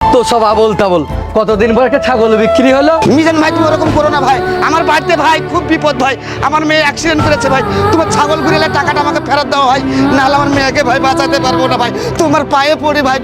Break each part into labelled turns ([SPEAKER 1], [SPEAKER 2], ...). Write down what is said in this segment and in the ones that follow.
[SPEAKER 1] যত সব আবল তাবল। কতদিন পর একটা ছাগল বিক্রি হলো।
[SPEAKER 2] মিজান ভাই তুমি ওরকম করো না ভাই, আমার বাড়িতে ভাই খুব বিপদ ভাই, আমার মেয়ে অ্যাক্সিডেন্ট করেছে ভাই, তোমার ছাগল ঘুরেলে টাকাটা আমাকে ফেরত দাও ভাই, নাহলে আমার মেয়েকে ভাই বাঁচাতে পারবো না ভাই, তোমার পায়ে পড়ি ভাই।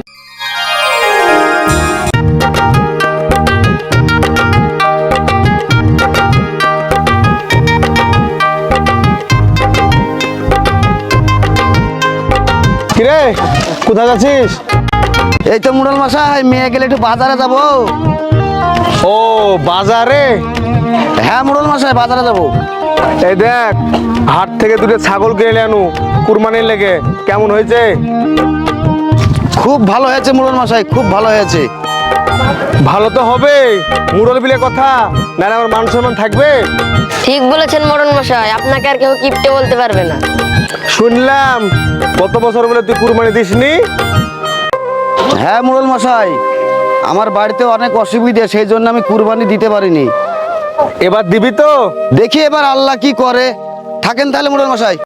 [SPEAKER 3] কিরে কোথায় যাচ্ছিস?
[SPEAKER 2] এই তো মুরল মশাই, মেয়ে গেলে একটু বাজারে যাবো।
[SPEAKER 3] ও বাজারে?
[SPEAKER 2] হ্যাঁ মুরল মশাই, বাজারে যাবো।
[SPEAKER 3] এই দেখ, হাট থেকে দুটো ছাগল কিনে আনু কুরবানির লেগে। কেমন হয়েছে?
[SPEAKER 2] খুব ভালো হয়েছে মুরল মশাই, খুব ভালো হয়েছে।
[SPEAKER 3] ভালো তো হবে, মুরল বিলে কথা, নাহলে আমার মান সম্মান থাকবে।
[SPEAKER 4] ঠিক বলেছেন মোড়ন মশাই, আপনাকে আর কেউ কিপটে বলতে পারবে না।
[SPEAKER 3] শুনলাম গত বছর বলে তুই কুরবানি দিসনি।
[SPEAKER 2] হ্যাঁ মুরল মশাই, আমার বাড়িতে অনেক অসুবিধা, সেই জন্য আমি কুরবানি দিতে পারিনি।
[SPEAKER 3] এবার দিবি তো?
[SPEAKER 2] দেখি এবার আল্লাহ কি করে। থাকেন তাহলে মুরল মশাই।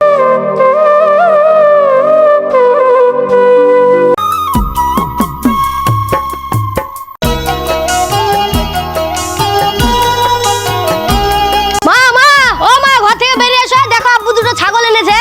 [SPEAKER 4] মা মা ও মা, ঘর থেকে বেরিয়ে এসো, দেখো আব্বু দুটো ছাগল এনেছে।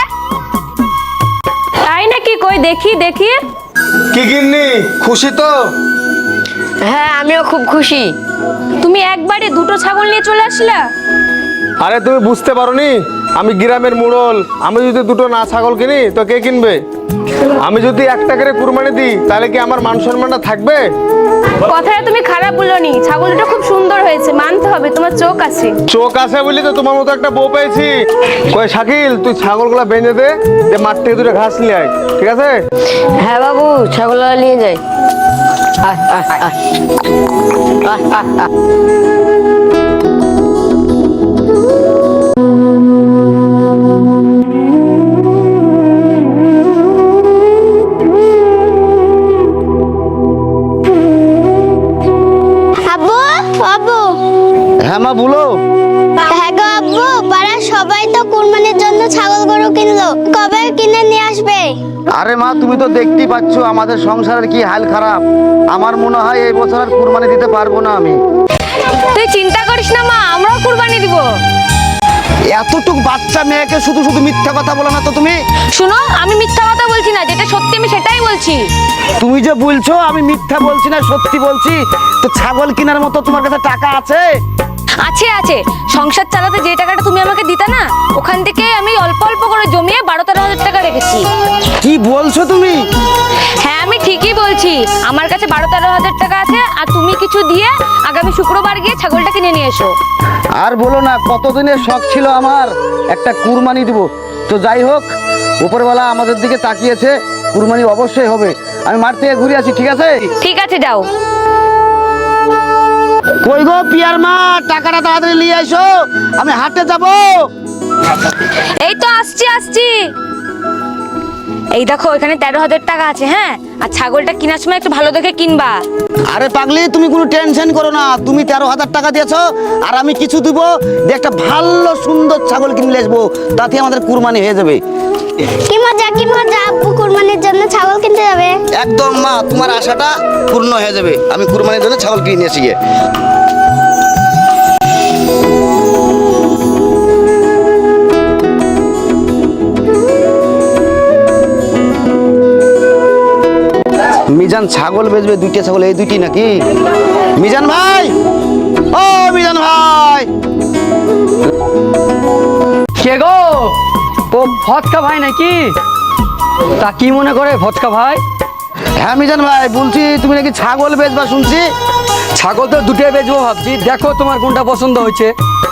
[SPEAKER 5] তাই নাকি? কই দেখি দেখি।
[SPEAKER 3] কি গিন্নি, খুশি তো?
[SPEAKER 4] হ্যাঁ আমিও খুব খুশি।
[SPEAKER 5] তুমি একবারে দুটো ছাগল নিয়ে চলে আসলা?
[SPEAKER 3] আরে তুমি বুঝতে পারোনি, আমি গ্রামের মুরল, আমি যদি দুটো না ছাগল কিনি তো কে কিনবে? আমি যদি একটা করে কুরবানি দিই তাহলে কি আমার মান সম্মানটা থাকবে?
[SPEAKER 5] কথাটা তুমি খারাপ বলনি, ছাগল দুটো খুব সুন্দর হয়েছে, মানতে হবে, তোমার চোখ আছে।
[SPEAKER 3] চোখ আছে বলি তো তোমার মতো একটা বউ পেয়েছি। কই শাকিল, তুই ছাগলগুলা বেঁধে দে, যে মাঠ থেকে দুটো ঘাস নিয়ে আয়, ঠিক আছে?
[SPEAKER 4] হ্যাঁ বাবু, ছাগল নিয়ে যাই।
[SPEAKER 6] আব্বু আব্বু,
[SPEAKER 2] হ্যাঁ মা বলো।
[SPEAKER 6] হ্যাঁ গো আব্বু, পাড়ার সবাই তো কুরবানির জন্য ছাগল গরু কিনলো, কবে কিনে নিয়ে আসবে?
[SPEAKER 2] আরে মা তুমি তো দেখতেই পাচ্ছ আমাদের সংসারের কি হাল খারাপ, আমার মনে হয় এই বছর আর কুরবানি দিতে পারবো না আমি।
[SPEAKER 5] তুই চিন্তা করিস না মা, আমরাও কুরবানি দিব।
[SPEAKER 2] এতটুক বাচ্চা মেয়েকে শুধু শুধু মিথ্যা কথা বলো না তো তুমি।
[SPEAKER 5] শুনো, আমি মিথ্যা কথা বলছি না, যেটা সত্যি আমি সেটাই বলছি।
[SPEAKER 2] তুমি যে বলছো আমি মিথ্যা বলছি না, সত্যি বলছি। তো ছাগল কেনার মতো তোমার কাছে টাকা আছে?
[SPEAKER 5] আছে আছে, সংসার চালাতে যে টাকাটা তুমি আমাকে দিতে না, ওখান থেকে আমি অল্প অল্প করে জমিয়ে 12-13 হাজার টাকা রেখেছি।
[SPEAKER 2] কি বলছো তুমি?
[SPEAKER 5] হ্যাঁ আমি ঠিকই বলছি, আমার কাছে 12-13 হাজার টাকা আছে, আর তুমি কিছু দিয়ে আগামী শুক্রবার গিয়ে ছাগলটা কিনে নিয়ে এসো।
[SPEAKER 2] আর বলো না, কতদিনের শখ ছিল আমার একটা কুরবানি দিব। তো যাই হোক, উপরওয়ালা আমাদের দিকে তাকিয়েছে, কুরবানি অবশ্যই হবে। আমি মাঠ থেকে ঘুরে আসি, ঠিক আছে?
[SPEAKER 5] ঠিক আছে যাও।
[SPEAKER 2] কই গো পিয়ার মা, টাকাটা তাড়াতাড়ি নিয়ে এসো, আমি হাটে যাব।
[SPEAKER 5] এই তো আসছি আসছি। এই দেখো, এখানে 13,000 টাকা আছে। হ্যাঁ, আর ছাগলটা কেনার সময় একটু ভালো দেখে কিনবা।
[SPEAKER 2] আরে পাগলি, তুমি কোনো টেনশন করো না, তুমি 13,000 টাকা দিয়েছো, আর আমি কিছু দিব, দিয়ে একটা ভালো সুন্দর ছাগল কিনে আসবো, তাতে আমাদের কুরবানি হয়ে যাবে।
[SPEAKER 6] কি মজা কি মজা, আব্বু কুরবানির জন্য ছাগল কিনতে যাবে।
[SPEAKER 2] একদম মা, তোমার আশাটা পূর্ণ হয়ে যাবে, আমি কুরবানির জন্য ছাগল কিনে নিয়ে আসি গিয়ে। মিজান ছাগল বেচবে, দুইটা ছাগল, এই দুইটি নাকি? মিজান ভাই, ও মিজান ভাই।
[SPEAKER 1] কে গো? ও ফটকা ভাই নাকি? তা কি মনে করে ফটকা ভাই?
[SPEAKER 2] হ্যাঁ মিজান ভাই, বলছি তুমি নাকি ছাগল বেচবা শুনছি।
[SPEAKER 1] ছাগল তো দুটোই বেচবো ভাবছি, দেখো তোমার কোনটা পছন্দ হয়েছে।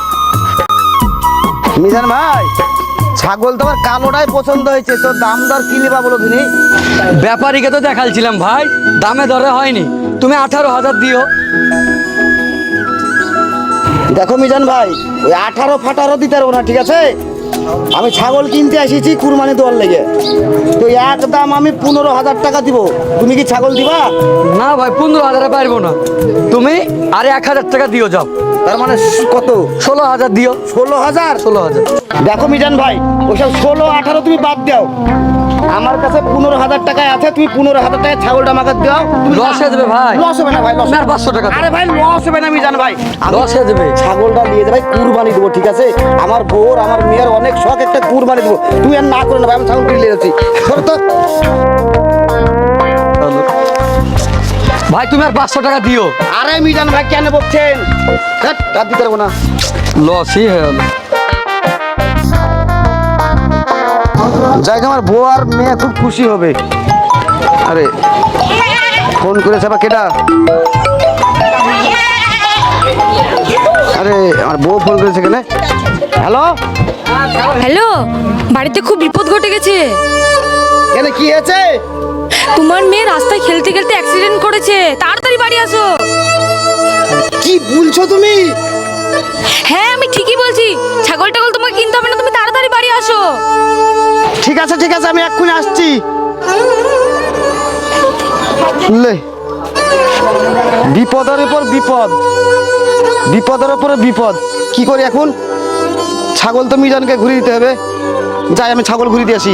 [SPEAKER 2] মিজান ভাই, ছাগল তো আমার কালোটাই পছন্দ হয়েছে, তো দাম দর কি নিবা বলো তুমি?
[SPEAKER 1] ব্যাপারীকে তো দেখালছিলাম ভাই, দামে দরে হয়নি, তুমি 18,000 দিও।
[SPEAKER 2] দেখো মিজান ভাই, ওই 18-18 দিতে পারবো না, ঠিক আছে? আমি ছাগল কিনতে এসেছি কুরবানি দেওয়ার লেগে, তো একদম আমি 15,000 টাকা দিব। তুমি কি ছাগল দিবা?
[SPEAKER 1] না ভাই, 15,000 পারবো না, তুমি আরে 1,000 টাকা দিও যাও।
[SPEAKER 2] তার মানে কত?
[SPEAKER 1] 16,000 দিও।
[SPEAKER 2] 16,000?
[SPEAKER 1] 16,000।
[SPEAKER 2] দেখো মিজান ভাই, ওইসব 16-18 তুমি বাদ দাও, আমার কাছে 15,000 টাকায় আছে, তুমি 15,000 টাকায় ছাগলটা আমাকে দাও।
[SPEAKER 1] লস হয়ে যাবে ভাই।
[SPEAKER 2] লস হবে না ভাই, লস
[SPEAKER 1] আর 500 টাকা দাও।
[SPEAKER 2] আরে ভাই লস হবে না মিজান ভাই,
[SPEAKER 1] লস হয়ে যাবে।
[SPEAKER 2] ছাগলটা নিয়ে যাবে কুরবানি দেবো, ঠিক আছে? আমার বউর আমার মেয়ের অনেক শখ, একটা কুরবানি দেবো। তুই আর না করে না ভাই, আমি ছাগল কিনে নিয়ে যাচ্ছি। ধরো তো।
[SPEAKER 1] ভাই তুমি আর 500 টাকা দিও।
[SPEAKER 2] আরে মিজান ভাই কেন বলছেন? ধ্যাৎ, আর দিতে পারবো না।
[SPEAKER 1] লসই হয়ে গেল।
[SPEAKER 2] যাই হোক, আমার বউ আর মেয়ে খুব খুশি হবে। আরে ফোন করেছে বা কেডা? আরে আমার বউ ফোন করেছে কেন? হ্যালো,
[SPEAKER 5] হ্যালো, বাড়িতে খুব বিপদ ঘটে গেছে।
[SPEAKER 2] কেন কি হয়েছে?
[SPEAKER 5] তোমার মেয়ে রাস্তায় খেলতে খেলতে অ্যাক্সিডেন্ট করেছে, তাড়াতাড়ি বাড়ি আসো।
[SPEAKER 2] কি বলছো তুমি?
[SPEAKER 5] হ্যাঁ আমি ঠিকই বলছি, ছাগল টাগল তোমাকে কিনতে হবে না, তুমি তাড়াতাড়ি বাড়ি আসো।
[SPEAKER 2] ঠিক আছে ঠিক আছে, আমি এক্ষুনি আসছি। লে, বিপদের উপর বিপদ, বিপদের উপরে বিপদ। কি করি এখন? ছাগল তো মিজানকে ঘুরিয়ে দিতে হবে। যাই, আমি ছাগল ঘুরিয়ে দিয়ে আসি।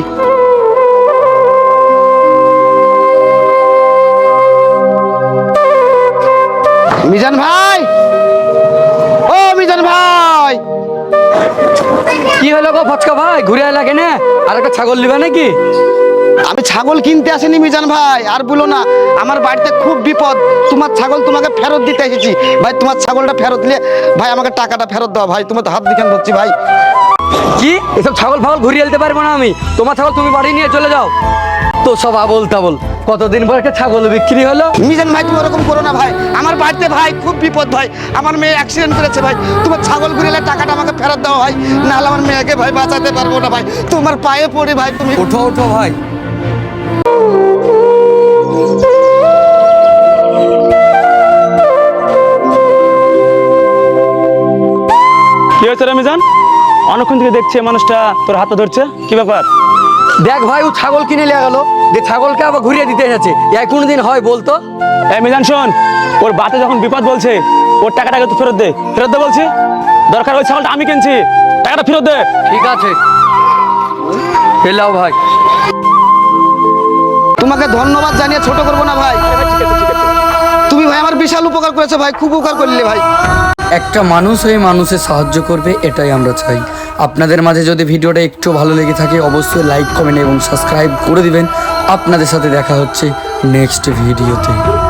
[SPEAKER 2] মিজান ভাই, ও মিজান ভাই,
[SPEAKER 1] কি হলো গো ফচকা ভাই, ঘুরে এলা কেন? আর একটা ছাগল নিবে নাকি?
[SPEAKER 2] আমি ছাগল কিনতে আসিনি মিজান ভাই, আর বলো না, আমার বাড়িতে খুব বিপদ। তোমার ছাগল তোমাকে ফেরত দিতে এসেছি ভাই। তোমার ছাগলটা ফেরত দিলে ভাই আমাকে টাকাটা ফেরত দাও ভাই। তোমার তো হাত দিকে ধরছি ভাই।
[SPEAKER 1] কি এসব ছাগল ফাগল ঘুরিয়ে আনতে পারবো না আমি। তোমার ছাগল তুমি বাড়ি নিয়ে চলে যাও। তো সব আবল তাবল, কতদিন পর একটা ছাগল বিক্রি হলো।
[SPEAKER 2] মিজান ভাই তুমি ওরকম করো না ভাই, আমার বাড়িতে ভাই খুব বিপদ ভাই। আমার মেয়ে অ্যাক্সিডেন্ট করেছে ভাই। তোমার ছাগল ঘুরিয়ে টাকাটা আমাকে ফেরত দাও ভাই, নাহলে আমার মেয়েকে ভাই বাঁচাতে পারবো না ভাই। তোমার পায়ে পড়ি ভাই, তুমি
[SPEAKER 1] ওঠো ওঠো ভাই।
[SPEAKER 7] কি হয়েছে রে মিজান? অনেকক্ষণ থেকে দেখছি এই মানুষটা তোর হাতে ধরছে, কি ব্যাপার?
[SPEAKER 1] দেখ ভাই, ও ছাগল কিনে নিয়ে গেল, যে ছাগলকে আবার ঘুরিয়ে দিতে এসেছে। এই কোনদিন হয় বলতো?
[SPEAKER 7] এই মিজান শোন, ওর বাতে যখন বিপদ বলছে, ওর টাকাটাকে তো ফেরত দে, ফেরত দে বলছি। দরকার ওই ছাগলটা আমি কিনছি, টাকাটা ফেরত দে।
[SPEAKER 1] ঠিক আছে, এলাও ভাই।
[SPEAKER 2] তোমাকে ধন্যবাদ জানিয়ে ছোট করবো না ভাই। তুমি ভাই আমার বিশাল উপকার করেছো ভাই, খুব উপকার করলে ভাই।
[SPEAKER 1] একটা মানুষ হয়ে মানুষের সাহায্য করবে, এটাই আমরা চাই। আপনাদের মাঝে যদি ভিডিওটা একটু ভালো লেগে থাকে অবশ্যই লাইক কমেন্ট এবং সাবস্ক্রাইব করে দিবেন। আপনাদের সাথে দেখা হচ্ছে নেক্সট ভিডিওতে।